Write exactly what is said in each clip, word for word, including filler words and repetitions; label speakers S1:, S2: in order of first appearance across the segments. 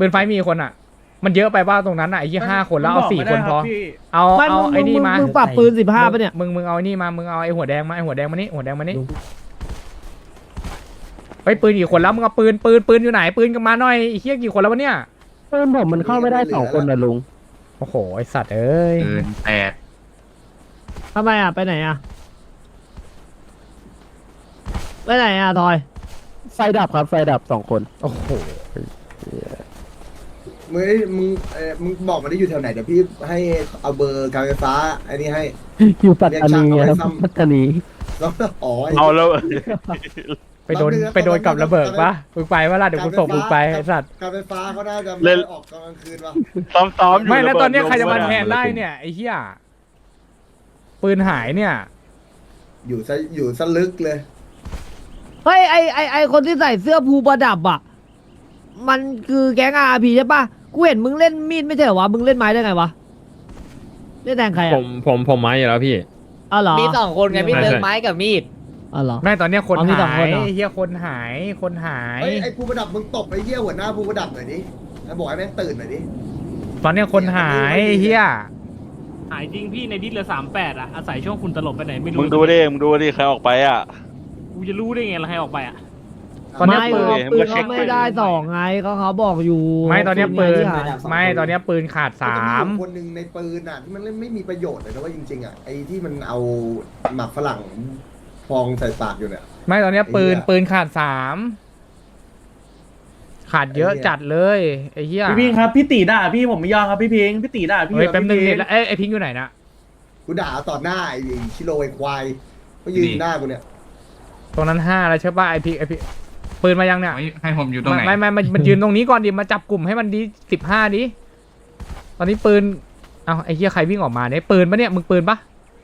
S1: ปืนไฟมีคนอ่ะมันเยอะไปบ้าตรงนั้นอ่ะไอ้ยี่ห้าคนแล้วเอาสี่คนพอเอาเอาไอ้นี่มา
S2: มึงปรับปืนสิบห้าป่ะเนี่ย
S1: มึงมึงเอาไอ้นี่มามึงเอาไอ้หัวแดงมาไอ้หัวแดงมานี่หัวแดงมานี่ไปปืนกี่คนแล้วมึงเอาปืนปืนปืนอยู่ไหนปืนกันมาหน่อยไอ้เหี้ยกี่คนแล้ววะเนี่ย
S2: ปืนผมมันเข้าไม่ได้สองคนนะลุง
S1: โอ้โหไอสัตว์เอ้ย
S3: ปืนแปด
S2: ทำไมอ่ะไปไหนอ่ะไปไหนอ่ะทอยไฟดับครับไฟดับสองคน
S1: โอ้โห
S4: มึงมึงเออมึงบอกมาได้อยู่แถวไหนเดี๋ยวพี่ให้เอาเบอร์การไฟฟ้าไอ้นี่ให้
S2: อยู่ปัตตานีครับปัตตานี
S4: แล้วอ๋อ
S3: เอาแล้ว
S1: ไปโดนไปโดนกับระเบิดปะมึงไปว่าล่ะเดี๋ยวกูส่งมึงไปไอสัตว์
S4: การไฟฟ้าเขาได้จะไม่ออกกลางคืนวะ
S3: ซ้อมๆอยู่
S1: ไม่แล้วตอนนี้ใครจะมาแทนได้เนี่ยไอ้เหี้ยปืนหายเนี่ย
S4: อยู่ซะอยู่ซะลึกเลย
S2: เฮ้ยไอไอไอคนที่ใส่เสื้อภูประดับอ่ะมันคือแก๊งอาร์พีใช่ปะกูเห็นมึงเล่นมีดไม่ใช่เหรอวะมึงเล่นไม้ได้ไงวะเล่นแทงใครอ่ะ
S5: ผมผมผมไม้อยู่แล้วพี่
S2: อ๋อเหรอ
S6: มีสองคนไงพี่เลิกไม้กับมีด
S2: อ๋อเหรอ
S1: ไม่ตอนนี้คนหายเฮียคนหายคนหาย
S4: ไอ้ภูประดับมึงตบไอ้เหี้ยหัวหน้าภูประดับหน่อยดิแล้วบอกให้แม่งตื่นหน่อยดิ
S1: ตอนนี้คนหายเฮีย
S7: หายจริงพี่ในดิสเหลือสามแปดอ่ะอาศัยช่วงคุณตลบไปไหนไม่รู้
S3: มึงดูดิมึงดูดิใครออกไปอ่ะ
S7: กูจะรู้ได้ไงล่ะใครออกไปอ่ะ
S1: ตอนนี้ปืน
S2: ปืนเขาไม่ได้สองไงเขาเขาบอกอยู่
S1: ไม่ตอนนี้ปืนไม่ตอนนี้ปืนขาดสาม
S4: คนหนึ่งในปืนอ่ะที่มันไม่มีประโยชน์เลยนะว่าจริงๆอ่ะไอ้ที่มันเอาหมักฝรั่งฟองใส่ปากอยู่เนี่ย
S1: ไม่ตอนนี้ปืนปืนขาดสามขาดเยอะจัดเลยไอ้เหี้ย
S7: พี่พิงครับพี่ตีด่าพี่ผมไม่ยอมครับพี่พิงพี่ตีด่าพี่
S1: เฮ้ยแป๊บนึงแล้วไอ้พิงอยู่ไหนนะ
S4: กูด่าต่อหน้าไอ้ชิโร่ไอ้ควายก็ยืนหน้ากูเนี่ย
S1: ตรงนั้นห้าแล้วใช่ป่ะไอ้พิงไอ้พิงปืนมายังเนี่ย
S3: ให้ผมอยู่ตรงไหน
S1: ไม่ไม่ไม่มันยืนตรงนี้ก่อนดิมาจับกลุ่มให้มันดีสิบห้าดิตอนนี้ปืนเอาไอ้เหี้ยใครวิ่งออกมาเนี่ยปืนปะเนี่ยมึงปืนปะ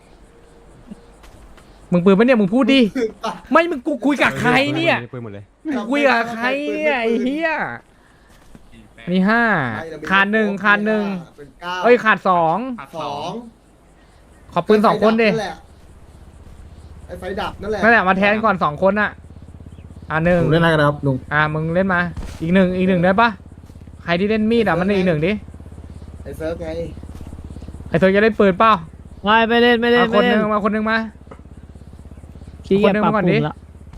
S1: มึงปืนปะเนี่ยมึงพูดดิไม่มึงกูคุยกับใครเนี่ยคุยกับใครเนี่ยไอ้เหี้ยนี่ห้าขาดหนึ่งขาดหนึ่งเอ้ยขาดสอง
S4: สอง
S1: ขอปืนสองคนดิ
S4: ไอ้ไฟดับนั่นแหละ
S1: นั่นแหละมาแทนก่อนสองคนน่ะอ่าหนึ่ง
S2: เล่นอะไรกันครับลุง
S1: อ่ามึงเล่นมาอีกหนึ่งอีกหนึ่งได้ปะใครที่เล่นมีดอ่ะมันอีกหนึ่งดิ
S4: ไอ้เซิร์ฟไง
S1: ไอ้เธอจะเล่นปืนเปล่า
S2: ไม่ไม่เล่นไม่เล่น
S1: คนหนึ่งมาคนหนึ่งมาคนหนึ่งมาก่อนดิ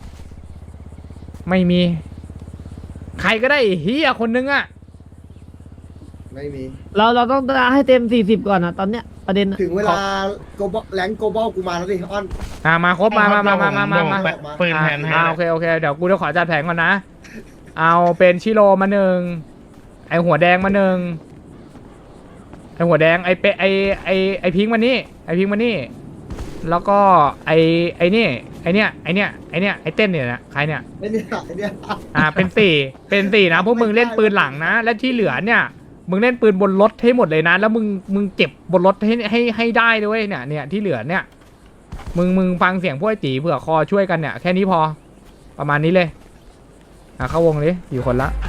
S1: ไม่มีใครก็ได้เฮียคนหนึ่งอ่ะ
S4: ไม่มี
S2: เราเราต้องให้เต็มสี่สิบก่อนนะตอนเนี้ยประเด็น
S4: ถึงเวลาโกบอลแรงโกบอลกูมาแล้วดิอ้อน
S1: อ่ามาครบมามามามามามามา
S3: ปืนแทนให้
S1: โอเคโอเคเดี๋ยวกูจะขอจัดแผงก่อนนะเอาเป็นชิโร่มาหนึ่งไอหัวแดงมาหนึ่งไอหัวแดงไอเปไอไอไอพิงมานี่ไอพิงมานี่แล้วก็ไอไอนี่ไอเนี้ยไอเนี้ยไอเนี้ยไอเต้นเนี่ยนะใครเนี่ย
S4: ไอเนี้ยไอเนี้ย
S1: อ่าเป็นสี่เป็นสี่นะพวกมึงเล่นปืนหลังนะและที่เหลือเนี่ยมึงเล่นปืนบนรถให้หมดเลยนะแล้วมึงมึงเก็บบนรถให้ให้ให้ได้ด้วยเนี่ยเนี่ยที่เหลือเนี่ยมึงมึงฟังเสียงพวกจีเผื่อคอช่วยกันเนี่ยแค่นี้พอประมาณนี้เลยอ่ะเข้าวงเลยอยู่คนละ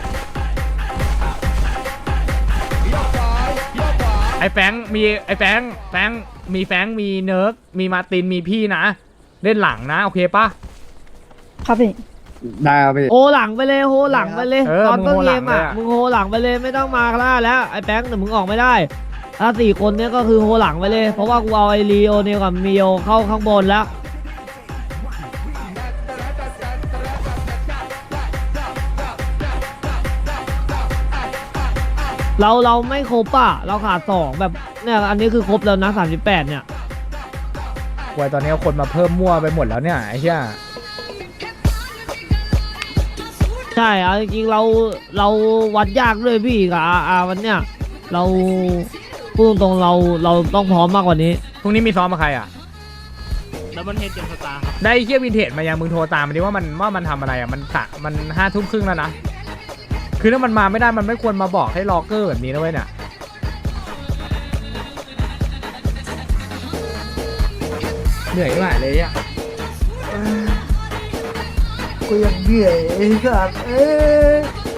S1: ไอ้แฟงมีไอ้แฟงแฟงมีแฟงมีเนิร์กมีมาตินมีพี่นะเล่นหลังนะโอเคปะ
S2: ครับพี่ได้ครับพี่โอหลังไปเลยโหหลังไปเลยตอนต้นเกมอ่ะมึงโหหลังไปเลยไม่ต้องมาล่าแล้วไอ้แป้งแต่มึงออกไม่ได้ถ้าสี่คนเนี้ยก็คือโหหลังไปเลยเพราะว่ากูเอาไอรีโอเนี่ยกับมิโอเข้าข้างบนแล้วเราเราไม่ครบอ่ะเราขาดสองแบบเนี่ยอันนี้คือครบแล้วนะสามสิบแปดเนี่ย
S1: วัยตอนนี้คนมาเพิ่มมั่วไปหมดแล้วเนี่ยไอ้เหี้ย
S2: ใช่เอาจริงๆเราเราวัดยากเลยพี่กับอาอาวันเนี้ยเราพูดตรงๆเราเราต้องพร้อมมากกว่านี้
S1: พรุ่งนี้มีซ้อมมาใครอ่ะ
S7: แล้วมันเฮดเจมสตาร์
S1: ได้เคียวินเทจมายังมึงโทรตามมันดิว่ามันว่ามันทำอะไรอ่ะมันสะมันห้าทุ่มครึ่งแล้วนะคือถ้ามันมาไม่ได้มันไม่ควรมาบอกให้ล็อกเกอร์แบบนี้นะเว้ยเนี่ยเหนื่อยมากเลยอ่ะ
S4: กูยังเหนื่อยครับเอ๊ะ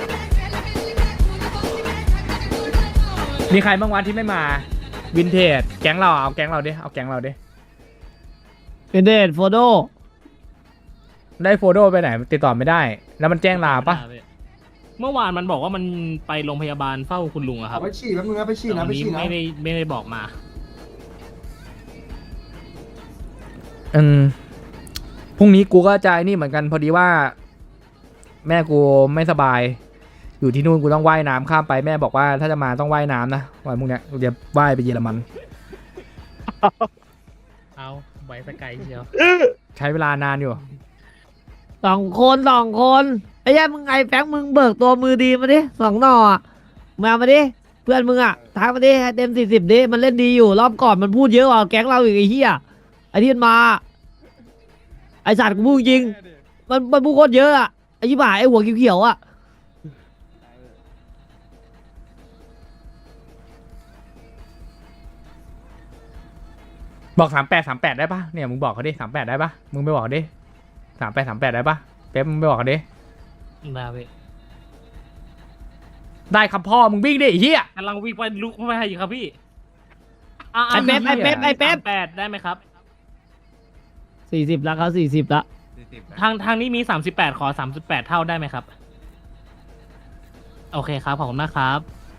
S1: มีใครบ้างวะที่ไม่มาวินเทจแก๊งเราเอาแก๊งเราดิเอาแก๊งเราดิ
S2: วินเทจโฟโต้
S1: ได้โฟโต้ไปไหนติดต่อไม่ได้แล้วมันแจ้งลาปะ
S7: เมื่อวานมันบอกว่ามันไปโรงพยาบาลเฝ้าคุณลุงอะครั
S4: เอา
S7: บ
S4: ไปฉี่แป๊บนึงนะไปฉี่
S7: แต่
S4: นะ
S7: วัน
S4: ไป
S7: นี้
S4: ฉี่นะ
S7: ไม่ได้ไม่ได้บอกมา
S1: อืมพรุ่งนี้กูก็จะไอ้นี่เหมือนกันพอดีว่า แม่กูไม่สบาย อยู่ที่นู่นกูต้องว่ายน้ำข้ามไปแม่บอกว่าถ้าจะมาต้องว่ายน้ำนะวันพรุ่งเนี้ยกูจะว่ายไปเยอรมัน
S7: เอาไว้สกายเชียว
S1: ใช้เวลานานอยู่
S2: สองคนสองคนไอ้แย่มึงไงแฟงมึงเบิกตัวมือดีมาดิสองหน่ออะมามาดิเพื่อนมึงอะทักมาดิให้เต็มสี่สิบดิมันเล่นดีอยู่รอบก่อนมันพูดเยอะกว่าแก๊งเราอีกไอ้เหี้ยไอ้ที่มันมาไอ้สัตว์กูพูดจริงมันมันพูดโคตรเยอะอะไอ้ยี่บ่าไอ้หัวเขียวๆอะ
S1: บอกสามแปดสามแปดได้ปะเนี่ยมึงบอกเขาดิสามแปดได้ปะมึงไปบอกเขาดิสามแปดสามแปดได้ปะเป๊ปมึงไปบอกเขาดิ
S7: มาเว้ย
S1: ได้ครับพ่อมึงวิ่งดิไอ้เหี้ย
S7: กำลังวิ่งไปลุกไปอยู่ครับพี่
S2: ไอ้เป๊ปไอ้เป๊ปไอ้เป๊ป
S7: แปดได้ไหมครับ
S2: สี่สิบแล้วเขาสี่สิบละ
S7: ทางทางนี้มีสามสิบแปดขอสามสิบแปดเท่าได้ไหมครับ โอเคครับขอบคุณมากครับ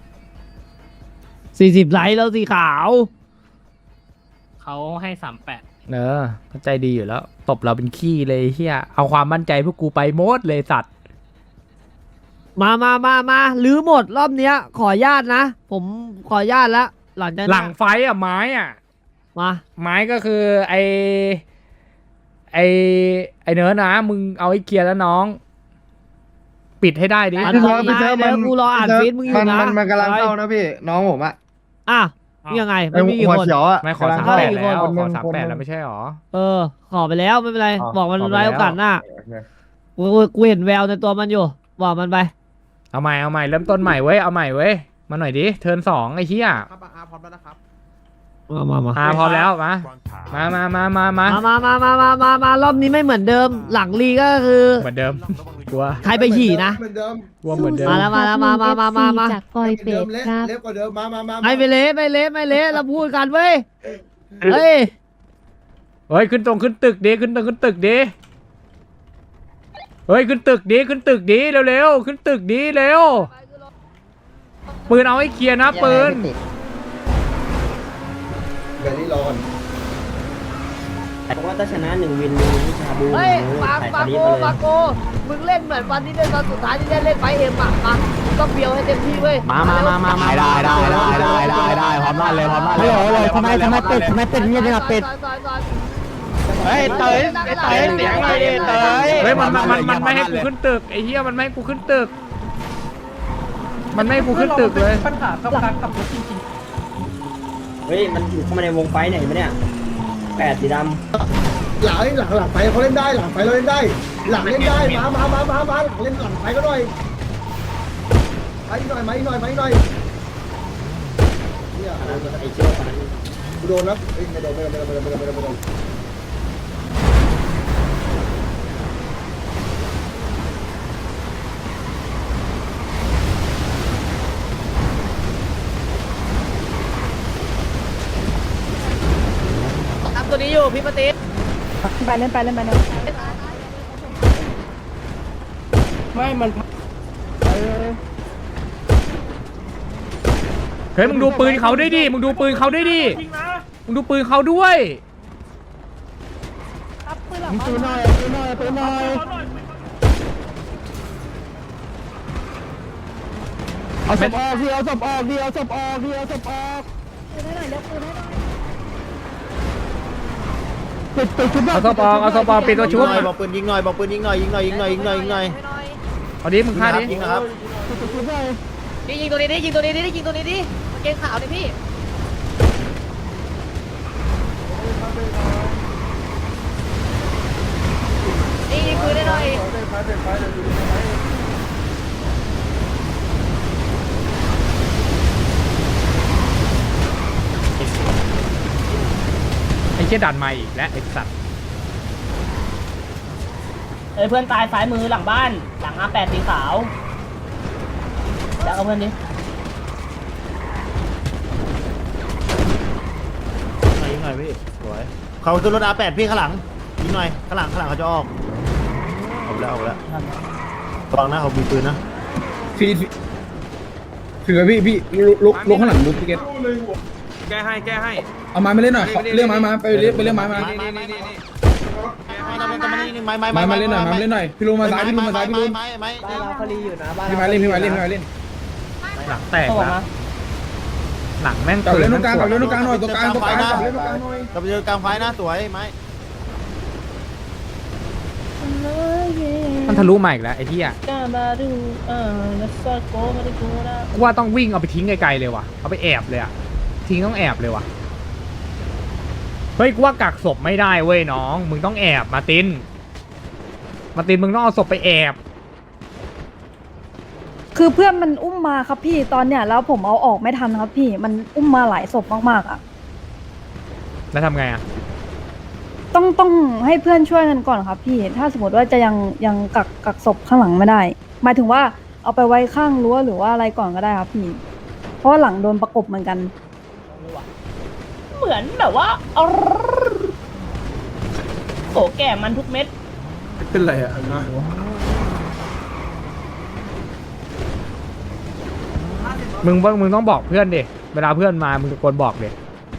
S2: สี่สิบไลท์แล้วสีขาว
S7: เขาให้สามแปด
S1: เออเข้าใจดีอยู่แล้วตบเราเป็นขี้เลยไอ้เหี้ยเอาความมั่นใจพวกกูไปหมดเลยสัตว์
S2: มามามามาลื้อหมดรอบเนี้ย ขออนุญาตนะ ผมขออนุญาตแล้วหลังจาก
S1: หลั
S2: นั้น
S1: งไฟอ่ะไม้อ่ะ
S2: มา
S1: ไม้ก็คือไอไอไอเนื้อนะมึงเอาไอ้เคลียร์แล้วน้อง ปิดให้ได้ดิ
S2: อัน
S5: พี่
S2: นี้
S5: เซิร์ฟพี่เซิร์ฟ
S2: เดี๋ยว
S5: มัน
S2: กูรออ่านฟีดมึงอยู่
S5: มัน
S2: นะ
S5: มันมันกำลังเข้านะพี่น้องผมอะ
S2: อ่ะนี่ยังไง
S5: ไอ้
S2: ไม่มีกี่
S5: หัว
S2: คน
S5: เขียวอะ
S1: ไม่ขอก
S5: ำลัง
S1: สาม
S5: เข้า
S1: แปด
S2: กี่
S1: แล้ว
S2: คน
S1: ขอสามแปดแล้วไม่ใช่หรอ
S2: เออ ขอไปแล้วไม่เป็นไร
S5: อ๋อ
S2: บอกมัน
S1: ขอไป
S2: ไว้
S1: แล้ว
S2: โอกาสหน้ากูกูกูเห็นแววในตัวมันอยู่ บอกมันไป
S1: เอาใหม่เอาใหม่เริ่มต้นใหม่เว้ยเอาใหม่เว้ยมาหน่อยดิเทิร์นสองไอ้เหี้ย
S5: ครับอาพร้อมแล้วนะครับ
S2: มามามา
S1: อ่าพร้อมแล้วมามามามามามา
S2: มามามามามา มารอบนี้ไม่เหมือนเดิม หลังลีก็คือ
S1: เหมือนเดิมกลัว
S2: ใครไปฉี่นะ
S4: เหมือนเดิม
S1: กลัวเหมือนเดิม
S2: มาแล้วมาแล้วมามามามามา
S8: จากปอย
S4: เหมือน
S8: เป็
S4: เดิ
S8: ด
S4: มเละ
S8: ครับ
S4: เละกว่าเดิมมามามา
S2: ไม่ไปเละไม่เละไม่เละเราพูดกันเว้ย เฮ้ย
S1: เฮ้ยขึ้นตรงขึ้นตึกดิขึ้นตรงขึ้นตึกดิเฮ้ยขึ้นตึกดิขึ้นตึกดิเร็วๆขึ้นตึกดิเร็วปืนเอาให้เคลียร์นะปืน
S4: เดี๋ยวนี้รอก่อน
S6: ผมว่าถ้าชนะหนึ่งวินหนึ่งวิชาบู
S2: เฮ้ยปากปากโกปากโกมึงเล่นเหมือนวันที่เล่นตอนสุดท้ายที่ได้เล่นไฟเอ็มอ่ะมามึงต้องเบียวให้เต็มที่เว้ย
S6: มามามามามาได้ได้ได้ได้ได้ได้พร้อมลั่นเลยพร้อมลั่นเลยเลยทำไมทำไมเป็ดทำไมเป็ดเงียบจังเป็ด
S3: เฮ้ยเตยไอ้เตยเสียงอะไรดิเตย
S1: เฮ้ยมันมันมันมันไม่ให้กูขึ้นตึกไอ้เหี้ยมันไม่ให้กูขึ้นตึก มันไม่ให้กูขึ้นตึกเลย
S6: เฮ้ยมันอยู่เข้ามาในวงไฟไหนมาเนี่ยแปดสีด
S4: หลังหลังหลังไฟเขาเล่นได้หลังไฟเราเล่นได้ หลังเล่นได้มามามามามาหลังเล่นหลังไฟก็หน่อยมาอีกหน่อยมาอีกหน่อยมาอีกหน่อยเนี่ย
S6: ำไอ้เชี่ยวคนนั้น
S4: กูโดนนะเอ้ยไม่โดนไม่โดนไม่โดนไม่โดนไม่โดนไม่โดน
S2: ทำตัวนี้อยู่พี่ปฏิ
S8: ไปเล่นไปเล่นไปเล่น
S1: เฮ้ยมึงดูปืนเขาด้วยดิมึงดูปืนเขาด้วยดิมึงดูปืนเขาด้วย
S5: ปืนหน่อยปืนหน่อยปืนหน่อยเอาศพออกดิเอาศพออกดิเอาศพออกดิเอาศพออกปิดปิดชุด
S1: เอาซอปองเอาซอปองปิดตัวชุบ
S6: บอกปืนยิงหน่อยบอกปืนยิงหน่อยยิงหน่อยยิงหน่อยยิงหน่อยยิงหน่อย
S1: เอาดิมึงฆ่าดิ
S6: ยิงนะครับ
S2: ยิงยิงตัวนี้ดิยิงตัวนี้ดิยิงตัวนี้ดิมันเกงขาวดิพี่ยิงยิงปืนได้หน่อย
S1: ไอ้เชี่ยดันมาอีกแล้วไอ้สัตว์
S6: เอ้ยเพื่อนตายซ้ายมือหลังบ้านหลังอาแปดสีขาวแล้วเอาเพื่อนดิยิงหน่อยพี่สวยเขาขึ้นรถอาแปดพี่ข้างหลังยิงหน่อยข้างหลังข้างหลังเขาจะออกเอาแล้วเอาแล้วระวังนะเขามีปืนนะ
S5: ฟีดถือพี่พี่ลุกลุกข้างหลังลุกพี่เกต
S7: แก้ให้แก้ให้
S5: เอาไม้มาเล่นหน่อยเรียกไม้มาไปเรียกไปเรียกไม้มา
S3: ไม้ไม้ไม้
S5: ไม้มาเล่นหน่อยไม้มาเล่นหน่อยพี่ลุงมาซ้ายพี่ลุงมาซ้ายพี่ลุง
S3: ไม้ไม้
S4: บ้านเราเขาลีอยู่นะบ้าน
S5: พี่ไม้เล่นพี่ไม้เล่นพี่ไม้เล่น
S1: หลังแตก
S6: ส่ง
S1: นะ
S6: มา
S1: หลังแม่ง
S5: กลับ
S1: ปื
S5: เล่
S1: น
S5: นตรงกลางกลับเล่นตรงกลางหน่อยตรงกลางตรงกลางกลับเล่นตรงกลางหน่อย
S3: กลับไปเจอกลางไฟหน้าสวยไม้
S1: มันทะลุมาอีกแล้วไอ้ที่อ่ะ
S6: กาบาดูเออนัสโกมาดิกูนะ
S1: กูว่าต้องวิ่งเอาไปทิ้งไกลๆเลยว่ะเอาไปแอบเลยอ่ะทิ้งต้องแอบเลยว่ะเฮ้ยกูว่ากักศพไม่ได้เว้ยน้องมึงต้องแอบมาตินมาตินมึงต้องเอาศพไปแอบ
S8: คือเพื่อนมันอุ้มมาครับพี่ตอนเนี้ยแล้วผมเอาออกไม่ทันครับพี่มันอุ้มมาหลายศพมากๆอ่ะ
S1: แล้วทำไงอ่ะ
S8: ต้องต้องให้เพื่อนช่วยกันก่อนครับพี่ ถ้าสมมติว่าจะยังยังกักกักศพข้างหลังไม่ได้ หมายถึงว่าเอาไปไว้ข้างรั้วหรือว่าอะไรก่อนก็ได้ครับพี่ เพราะว่าหลังโดนประกบเหมือนกัน
S6: เหมือนแบบว่าเอาโอ้แก่มันทุกเม็ด
S5: เป็นไรอ่ะ
S1: มึงมึงต้องบอกเพื่อนดิเวลาเพื่อนมามึงตะโกนบอกดิ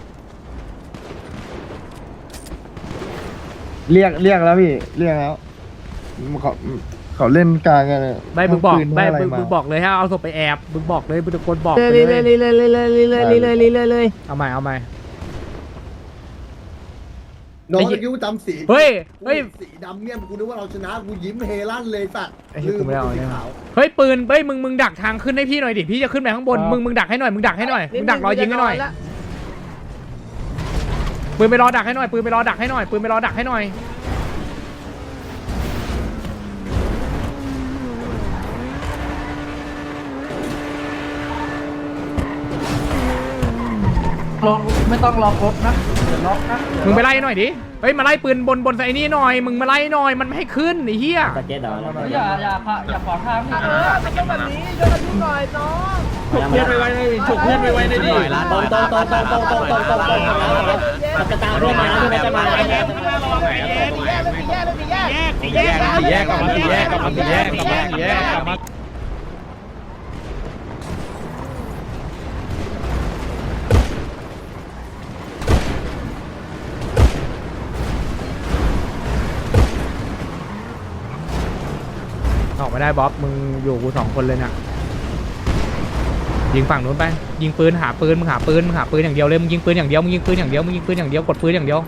S9: เรียกเรียกแล้วพี่เรียกแล้วเขาเขาเล่นกลางกัน
S1: ไม่มึงบอก
S9: ปืน
S1: ไม่
S9: อะไร
S1: มึง
S9: มา
S1: มึงบอกเลยฮะเอาศพไปแอบมึงบอกเลยมึงตะโกนบอกไป
S2: เลย
S1: เล
S2: เลย
S1: ย
S2: เลยเลยเลยเลยเลยเลยเลยเลยเลยเลย
S1: เอาใหม่เอาใหม่
S4: น้องตะกี้กูจำสี
S1: เฮ้ยเฮ้ย
S4: สีดำเนี่ยกูนึกว่าเราชนะกูยิ้มเฮลั่นเลยสัตว์
S1: ไอ้เหี้ยกูไม่เอา
S4: สี
S1: เนี่ย
S4: ขาว
S1: เฮ้ยปืนเฮ้ยมึงมึงดักทางขึ้นให้พี่หน่อยดิพี่จะขึ้นไปข้างบนมึงมึงดักให้หน่อยมึงดักให้หน่อยมึงดักรอยิงให้หน่อยปืนไปรอดักให้หน่อยปืนไปรอดักให้หน่อยปืนไปรอดักให้หน่อยไม่ต้องรอรถนะเดี๋ยวล็อกนะมึงไปไล่หน่อยดิเฮ้ยมาไล่ปืนบนบนไอ้นี่หน่อยมึงมาไล่หน่อยมันไม่ให้ขึ้นไอ้เหี้ย
S6: ตะเก็ตเหรอ
S7: อย่าอย่าอย่าขวางทางนี่
S2: เออมันต้องแบบนี้ช่วยกันดูหน่อยน้อง
S7: ฉุกเพื่อนไปไว้ในฉุกเพื่อนไปไว้ในดิ
S6: ตรงตรงตรงตรงตรงตรงตรงตรงตรงมันจะตามเพื่อนมาเพื่อนจะมา
S7: แยกแยกแยกกลับมาแยกกลับมาแยกกลับมาแยกกลับมา
S1: ออกไม่ได้บ๊อบมึงอยู่กูสองคนเลยน่ะยิงฝั่งนู้นไปยิงปืนหาปืนมึงหาปืนมึงหาปืนอย่างเดียวเลยมึงยิงปืนอย่างเดียวมึงยิงปืนอย่างเดียวมึงยิงปืนอย่างเดียวกดปืนอย่างเดียว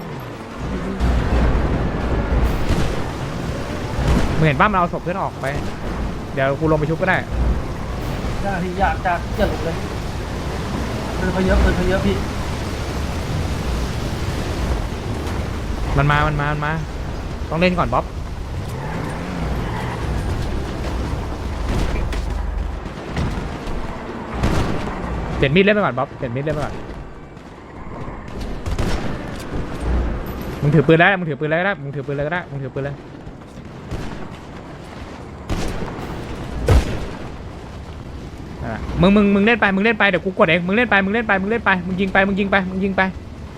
S1: มึงเห็นป้ามันเอาศพเพื่อนออกไปเดี๋ยวกูลงไปชุบก็ได้
S7: อยากอยากจะอย่าหลบเลยปืนเขาเยอะปืนเขาเยอะพี่
S1: มันมามันมามันมาต้องเล่นก่อนบ๊อบเปลี่ยนมีดเล่นไปก่อนบ๊อบเปลี่ยนมีดเล่นไปก่อนมึงถือปืนแล้วมึงถือปืนแล้วก็ได้มึงถือปืนเลยก็ได้มึงถือปืนเลยนั่นแหละมึงมึงมึงเล่นไปมึงเล่นไปเดี๋ยวกูกดเองมึงเล่นไปมึงเล่นไปมึงเล่นไปมึงยิงไปมึงยิงไปมึงยิงไป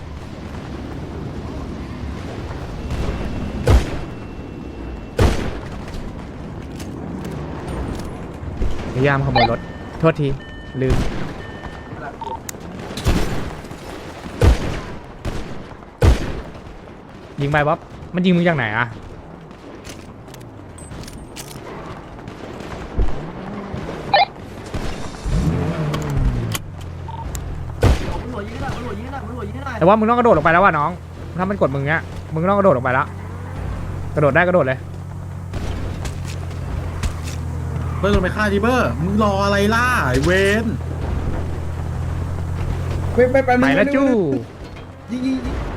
S1: พยายามขโมยรถโทษทีลืมยิงไปบ๊อบมันยิงมึงจากไหนอะแต่ว่ามึงต้องกระโดดลงไปแล้วว่ะน้องถ้ามันกดมึงเนี้ยมึงต้องกระโดดลงไปแล้วกระโดดได้กระโดดเลย
S5: เบอร์ลงไปฆ่าดิเบอร์มึงรออะไรล่ะไอเวนไปไปไป
S1: ไปแล้วจู้
S5: ยิงยิง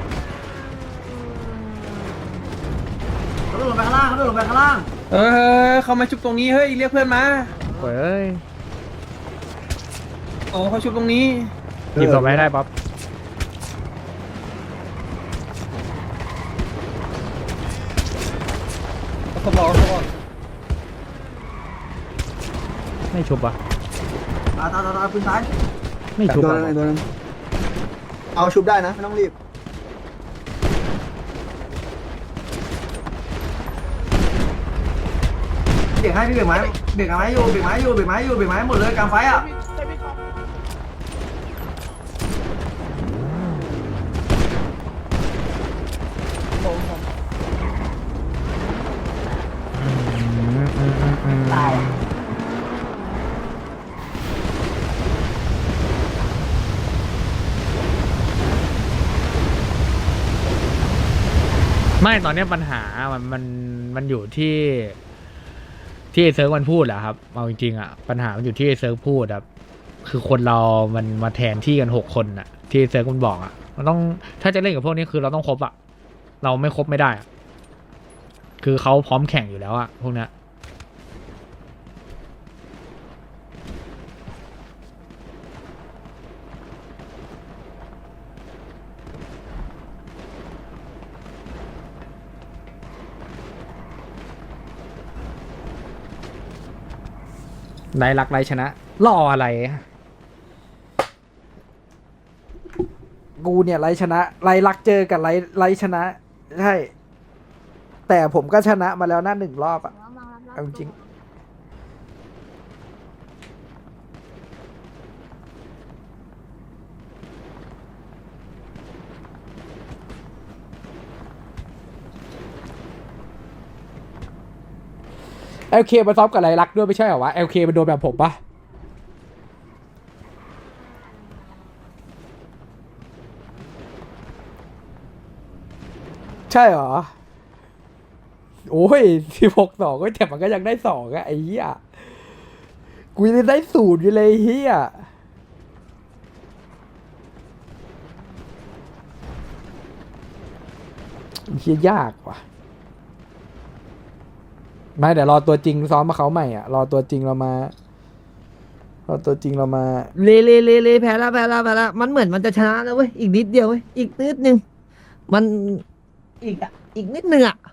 S4: เขาลงไปข้างล่างเขาลงไปข้างล่าง
S5: เออเขามาชุบตรงนี้เฮ้ยเรียกเพื่อนมา
S1: เฮ้ย
S5: โอ้เขาชุบตรงนี้
S1: หยิบศพไว้ได้ป๊อป
S5: เขาบอกเขาบอก
S1: ไม่ชุบอ่ะ
S4: ตาตาตาตาปืนซ้าย
S1: ไม่ชุบอ่ะ
S4: เอาชุบได้นะไม่ต้องรีบ
S7: เบรกให้พี่เบรกไม้เบรกไม้อยู่เบรกไม้อยู่เบรกไม้อยู่เบรกไม้หมดเลยกลางไฟอ่ะ
S1: ไม่ตอนเนี้ยปัญหามันมันมันอยู่ที่ที่ไอ้เซิร์ฟมันพูดแหละครับเอาจริงๆอ่ะปัญหามันอยู่ที่ไอ้เซิร์ฟพูดครับคือคนเรามันมาแทนที่กันหกคนอ่ะที่ไอ้เซิร์ฟมันบอกอ่ะมันต้องถ้าจะเล่นกับพวกนี้คือเราต้องครบอ่ะเราไม่ครบไม่ได้อ่ะคือเขาพร้อมแข่งอยู่แล้วอ่ะพวกเนี้ยไรรักไรชนะรออะไรกูเนี่ยไรชนะไรรักเจอกับไรไรชนะใช่แต่ผมก็ชนะมาแล้วนะหนึ่งรอบอะเอาจริงเอลเคมาซ้อมกับไรลักด้วยไม่ใช่เหรอวะเอลเคมันโดนแบบผมปะใช่เหรอโอ้ยสิบหกสองก็แต่มันก็ยังได้สองอะไอ้เหี้ยกูยังได้ศูนย์อยู่เลยเหี้ยเหี้ยยากว่ะไม่เดี๋ยวรอตัวจริงซ้อมมาเขาใหม่อ่ะรอตัวจริงเรามารอตัวจริงเรามา
S2: เลเลเลเลแพ้ละแพ้ละแพ้ละมันเหมือนมันจะชนะแล้วเว้ยอีกนิดเดียวเว้ยอีกนิดนึงมันอีกอ่ะอีกนิดนึงอ่ะ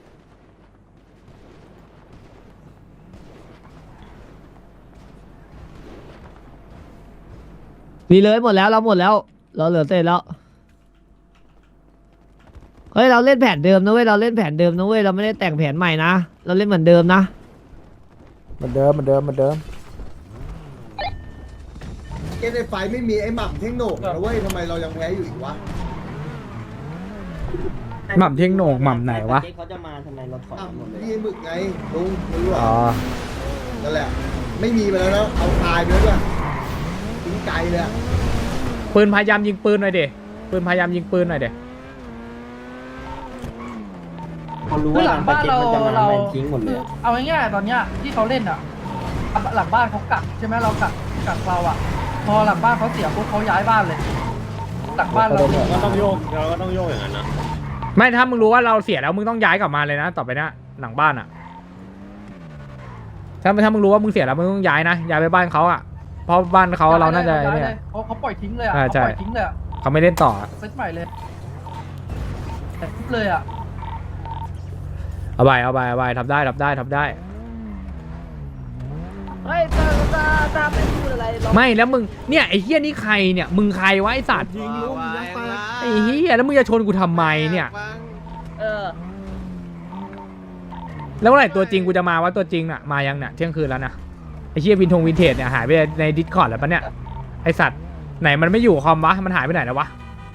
S2: มีเลยหมดแล้วเราหมดแล้วเราเหลือเต้แล้วเฮ้ยเราเล่นแผนเดิมนะเว้ยเราเล่นแผนเดิมนะเว้ยเราไม่ได้แต่งแผนใหม่นะเราเล่นเหมือนเดิมนะ
S1: เหมือนเดิมเหมือนเดิมเหมือนเดิม
S4: เกมในไฟไม่มีไอ้หม่ำเท่งโหนกนะเว้ยทำไมเรายังแพ้อยู่อีกวะ
S1: หม่ำเท่งโหนกหม่ำไหนวะ
S6: เขาจะมาทำไมเราถอย
S4: อ่ะ
S6: หมดเลย
S4: พี่หมึกไงลุงไม่รู้หร
S1: อ๋
S4: อ
S1: อ
S4: นั่นแหละ ไม่มีไปแล้วนะเอาตายไปแล้วด้วยทิ้งไกลเลยอะ
S1: ปืนพยายามยิงปืนหน่อยเด็ปืนพยายามยิงปืนหน่อยเด็
S6: เขารู้
S7: คือ
S6: ว่า
S7: หลังบ้านเรา
S6: มันจะมา
S7: เรา
S6: แม่งทิ้งหมดเลย
S7: เอาง่ายๆตอนเนี้ยที่เขาเล่นอ่ะหลังบ้านเขากักใช่ไหมเรากักกักเราอ่ะพอหลังบ้านเขาเสียปุ๊บเขาย้ายบ้านเลยหลังบ้านเรา
S3: ก็ต้องโยกเราก็ต้องโยกอย่างนั้นนะ
S1: ไม่ถ้ามึงรู้ว่าเราเสียแล้วมึงต้องย้ายกลับมาเลยนะต่อไปเนี้ยหลังบ้านอ่ะถ้าถ้ามึงรู้ว่ามึงเสียแล้วมึงต้องย้ายนะย้ายไปบ้านเขาอ่ะเพราะบ้านเขาเราน่าจะ
S7: ย้ย
S1: เนี่
S7: เลย ยเขาเขาปล่อยทิ้งเลยอ่ะ
S1: อ่า
S7: เขา
S1: ใช่
S7: ปล่อยทิ้งเลยอ่ะ
S1: เขาไม่เล่นต่อ
S7: เซตใหม่เลยแต่ทุบเลยอ่ะ
S1: เอาไปเอาไปเอาไปทำได้ทำได้ทำได้
S2: เฮ้ยตาตาตาไม่พูดอะไรเรา
S1: ไม่แล้วมึงเนี่ยไอ้เฮี้ยนี่ใครเนี่ยมึงใครวะไอ้สัตว์
S3: ยิงลูกยิงปลา
S1: ไอ้เฮี้ยแล้วมึงจะชนกูทำไมเนี่ย
S2: เออ
S1: แล้วเมื่อไหร่ตัวจริงกูจะมาว่าตัวจริงน่ะมายังเนี่ยเที่ยงคืนแล้วนะไอ้เฮี้ยวินทงวินเทจเนี่ยหายไปในดิสคอร์ดแล้วปะเนี่ยไอ้สัตว์ไหนมันไม่อยู่คอมวะมันหายไปไหนแล้ววะ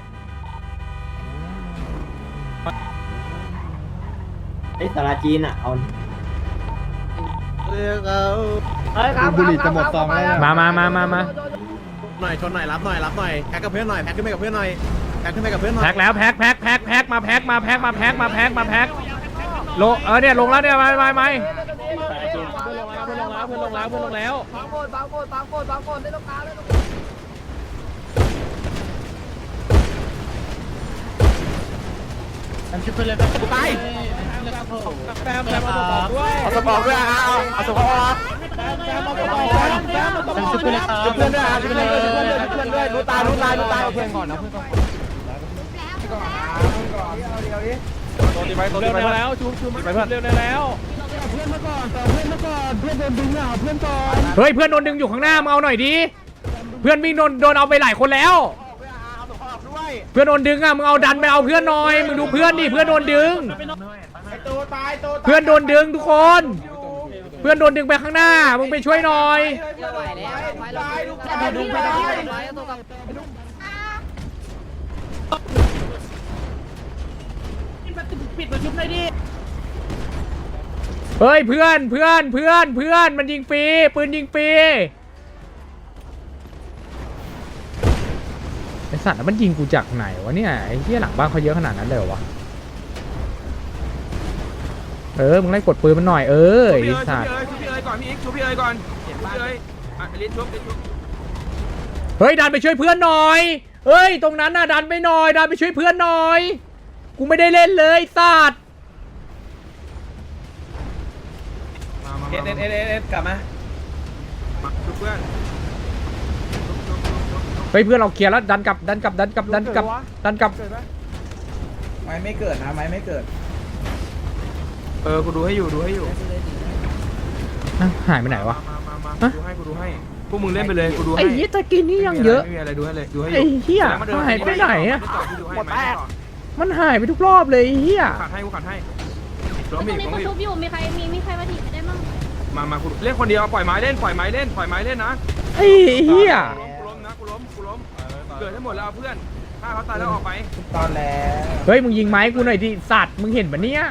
S6: ไอ้สาราจีนอ่ะเอา
S3: เรียกเอา
S2: เฮ้ยครับ
S9: บุหรี่จะหมดซองแล้ว
S1: มามามามามา
S3: หน่อยชนหน่อยรับหน่อยรับหน่อยแพ็กกับเพื่อนหน่อยแพ็กขึ้นไปกับเพื่อนหน่อยแพ็กขึ้นไปกับเพื่อนหน่อย
S1: แพ็คแล้วแพ็คแพ็คแพ็คแพ็คมาแพ็คมาแพ็คมาแพ็คมาแพ็คมาแพ็คลงเออเนี่ยลงแล้วเนี่ยมามามา
S2: เพื่อนลงแล้วเพื่อนลงแล้วเพื่อนลงแล้วบางคนบางคนบางคนบางคนได้ตรงกลางได้ตรงกลาง
S7: ทำชิปไปเลยไปไป
S2: แปมแปมมาบอกด้วย
S3: เอาสปอร์ตด้วยเอาเอาสปอร์ต
S2: แปมแปมมาบอกด้วยแปมมาบอกด้วย
S3: เพื่อนด้วยเพื่อนด้วยเพื่อนด้วยเพื่อนด้วยรู้ตายรู้ตายรู้ตายเพื่อนก่อนนะเพื่อนก่อนตัวตีไปตัวตีไปแล้วชูชูไปเพื่อนเร็วแล้ว
S5: เพื่อนมาก่อนต่อเพื่อนมาก่อนเพื่อนโดนดึงอ่ะเพื่อนก่อน
S1: เฮ้ยเพื่อนโดนดึงอยู่ข้างหน้ามึงเอาหน่อยดิเพื่อนวิ่งโดนโดนเอาไปหลายคนแล้ว เพื่อนโดนดึงอ่ะมึงเอาดันไปเอาเพื่อนหน่อยมึงดูเพื่อนดิเพื่อนโดนดึงเพื่อนโดนดึงทุกคนเพื่อนโดนดึงไปข้างหน้ามึงไปช่วยหน่อย
S7: ดูไปได้
S1: เฮ้ยเพื่อนเพื่อนเพื่อนเพื่อนมันยิงฟรีปืนยิงฟรีไอสัตว์แล้วมันยิงกูจากไหนวะเนี่ยไอ้เหี้ยหลังบ้านเขาเยอะขนาดนั้นเลยเหรอวะเออมึงไล่กดปืนมันหน่อยเออไอ้สัตว์
S3: ชุบพี่เอ๋ยก่อนพี่อีกชุบพี่เอ๋ยก่อนชุบพี่เอ๋ยอ่ะลิ้นชุบลิ้นชุบ
S1: เฮ้ยดันไปช่วยเพื่อนหน่อยเฮ้ยตรงนั้นน่ะดันไปหน่อยดันไปช่วยเพื่อนหน่อยกูไม่ได้เล่นเลยสัตว์
S3: มามาเอสเอสเอสเอสกลับมามาชุบเพื่อน
S1: เฮ้ยเพื่อนเราเคลียร์แล้วดันกลับดันกลับดันกลับดันกลับดันกลับ
S3: ไม้ไม่เกิดนะไม้ไม่เกิดเออกูดูให้อยู่ดูให้อยู่
S1: อ่ะหายไปไหนวะ
S3: มามามาดูให้กูดูให้พวกมึงเล่นไปเลยกูดูให้
S1: ไอ้เหี้ยตะกินนี่ยังเยอะ
S3: ไม่มีอะไรดูให้เลยดูให้อ
S1: ไอ้
S3: ยู่
S1: เหี้ยหายไปไหนอะ
S3: หมดแป๊ก
S1: มันหายไปทุกรอบเลยไอ้เหี้ย
S3: ขัดให้กูขัดให้
S10: ตรงนี้เขาชุบอยู่มีใครมีมีใครมาถีบได้มั้ง
S3: มามากูเล่นคนเดียวปล่อยไม้เล่นปล่อยไม้เล่นปล่อยไม้เล่นนะ
S1: ไอ้เหี้ย
S3: กูล้มนะกูล้มกูล้มเกิดให้หมดแล้วเอาเพื่อนถ้าเขาตายแล้วออกไปตอนแล้ว
S1: เฮ้ยมึงยิงไม้กูหน่อยดิสัตว์มึงเห็นปะเนี่ย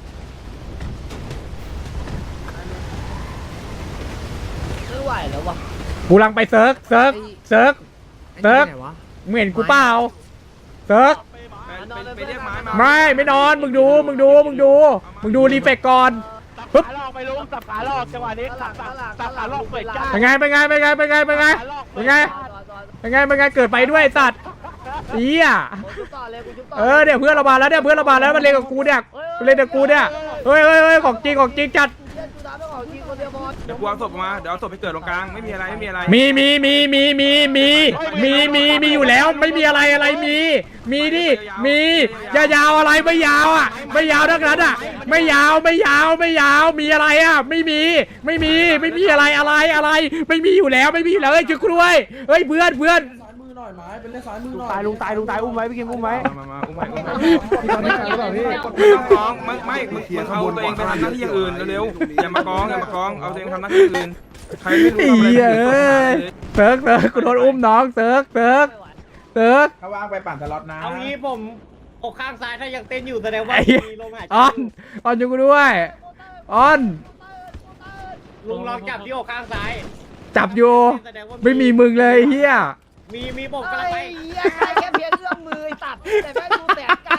S2: ไม่ไหวแล้ววะ
S1: กูลังไปเซิร์กเซิร์กเซิร์กเซิร์กมึงเห็นกูเปล่าเซิร์ก
S3: ไปเรียกไม้มา
S1: ไม่ไม่นอนมึงดูมึงดูมึงดูมึงดูรีเฟกก่อนปึ๊บ
S5: ขาหลอกไปลุงสับขาหลอกจังหวะนี้สับสับสับขาหลอกเปิดจ้า
S1: เป็นไงเป็นไงเป็นไงเป็นไงเป็นไงเป็นไงเป็นไงเป็นไงเกิดไปด้วยไอ้สัตว์เหี้ยเออเนี่ยเพื่อนเรามาแล้วเนี่ยเพื่อนเรามาแล้วมันเล่นกับกูเนี่ยมันเล่นกับกูเนี่ยเฮ้ยเฮ้ยเฮ้ยของจริงของจริงจัด
S3: เดี๋ยวกูเอาศพมาเดี๋ยวเอาศพไปเกิดตรงกลางไม่มีอะไรไม่มีอะไร
S1: มีมีมีมีมีมีมีมีมีอยู่แล้วไม่มีอะไรอะไรมี มีดิมียายาวอะไรไม่ยาวอ่ะไม่ยาวทั้งนั้นอ่ะไม่ยาวไม่ยาวไม่ยาวมีอะไรอ่ะไม่มีไม่มีไม่มีอะไรอะไรอะไรไม่มีอยู่แล้วไม่มีอยู่แล้วเฮ้ยช่วยกูด้วยเฮ้ยเพื่อนเพื่อน
S5: ตายลุงตายลุงตายอุ้มไว้พี่กิมอุ้มไว้
S3: มามาอุ้มไม้อุ้มไม้
S9: พี่ตอนนี้การหรือเปล่าพี่
S3: ไม่ต้องกองไม่ไม่มึงมึงเอาตัวเองไปทำหน้าที่อย่างอื่นเร็วๆอย่ามากองอย่ามากองเอาตัวเองทำหน้าที่อื่นใครไม่รู้
S1: ไอ้เหี้ยเอ้ยเซิร์กเซิร์กกูโดนอุ้มน้องเซิร์กเซิร์กเซิร์ก
S3: ถ้าว่างไปปั่นตลอดนะ
S6: เอางี้ผมอกข้างซ้ายถ้ายังเต้นอยู่แสดงว่า
S1: ไอ้เหี้ย
S6: มีลมหายใจ
S1: ออนออนอยู่กูด้วยออน
S6: ลุงลองจับที่อกข้างซ้าย
S1: จับอยู่
S6: แสดงว่า
S1: ไม่มีมึงเลยเฮีย
S6: มีมีผมกำลังไป
S2: แค่เพียงเอื้อมมือตัดแต่แม่ดูแสนไกล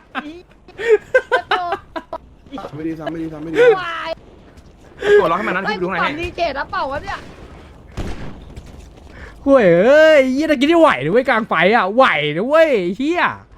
S9: ไม่ดีซ้ำไม่ดีซ้ำไม่ดี
S2: วาย
S3: ตัวล็อกให้มันนั้นที่ดูไหน
S2: ปั่
S3: ให้
S2: นดีเจนะเปล่าวะเนี่ย
S1: ห่วยเอ้ยเฮียตะกี้ที่ไหวนะเว้ยกลางไฟอ่ะไหวนะเว้ยเฮีย